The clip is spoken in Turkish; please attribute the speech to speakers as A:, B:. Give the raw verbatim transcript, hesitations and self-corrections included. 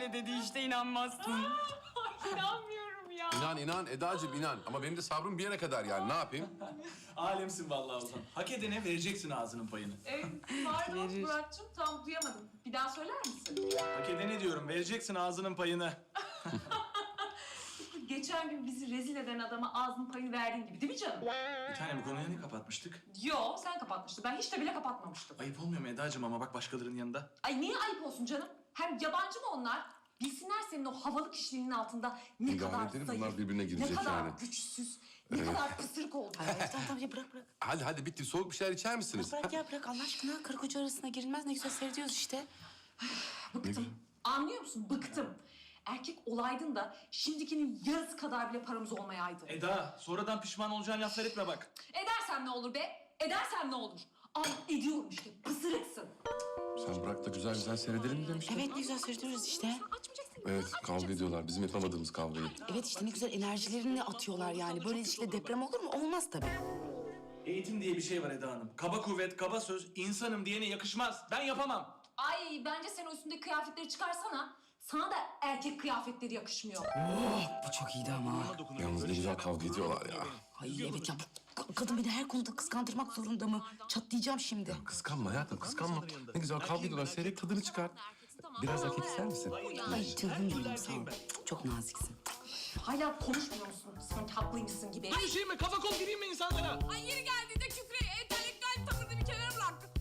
A: öyle dedi işte inanmazsın.
B: İnanmıyorum ya.
C: İnan inan Eda'cığım inan. Ama benim de sabrım bir yere kadar yani ne yapayım?
D: Alemsin vallahi Ozan. Hak edene vereceksin ağzının payını.
B: Ee, pardon Murat'cığım tam duyamadım. Bir daha söyler misin?
D: Hak edene diyorum, vereceksin ağzının payını.
B: Geçen gün bizi rezil eden adama ağzının payını verdiğin gibi değil mi canım?
D: Bir tane bu konuyu ne kapatmıştık?
B: Yo sen kapatmıştın. Ben hiç de bile kapatmamıştım.
D: Ayıp olmuyor mu Eda'cığım ama bak başkalarının yanında?
B: Ay niye ayıp olsun canım? Hem yabancı mı onlar? Bilsinler senin o havalı kişiliğinin altında ne
C: İdare
B: kadar
C: edelim,
B: zayıf,
C: bunlar birbirine girecek
B: ne kadar
C: yani.
B: güçsüz, ne kadar pısırık olduğunu.
A: Ay, tamam tamam ya bırak bırak.
C: Hadi hadi bitti. Soğuk bir şeyler içer misiniz?
A: Bırak ya bırak Allah aşkına. Karı koca arasına girilmez. Ne güzel seyrediyoruz işte.
B: Bıktım. Anlıyor musun? Bıktım. Erkek olaydın da şimdikinin yarısı kadar bile paramız olmayaydı.
D: Eda, sonradan pişman olacağın laflar etme bak.
B: Edersem ne olur be? Edersem ne olur? Ay ediyorum işte. Pısırıksın.
C: Sen bırak da güzel güzel seyredelim mi demiştin?
A: Evet ne güzel seyrediyoruz işte.
C: Evet kavga ediyorlar. Bizim yapamadığımız kavgayı.
A: Evet işte ne güzel enerjilerini atıyorlar yani. Böyle ilişkide deprem olur mu? Olmaz tabii.
D: Eğitim diye bir şey var Eda Hanım. Kaba kuvvet, kaba söz, insanım diyene yakışmaz. Ben yapamam.
B: Ay bence sen o üstündeki kıyafetleri çıkarsana. Sana da erkek kıyafetleri yakışmıyor.
A: Bu çok iyiydi ama.
C: Yalnız ne güzel kavga ediyorlar ya.
A: Ay evet ya bu ka- kadın beni her konuda kıskandırmak zorunda mı? Çatlayacağım şimdi.
C: Kıskanma hayatım kıskanma. Ne güzel kavga ediyorlar. Seyret tadını çıkar. Biraz erkek ister misin?
A: Ay canım benim sağ ol. Çok naziksin.
B: Hala konuşmuyor musun? Sanki haklıymışsın gibi.
D: Aynı şey mi? Kafa kol gireyim mi insanlara?
E: Ay yeri geldiğinde küfreyi entelektüel tavırını bir kenara bıraktın.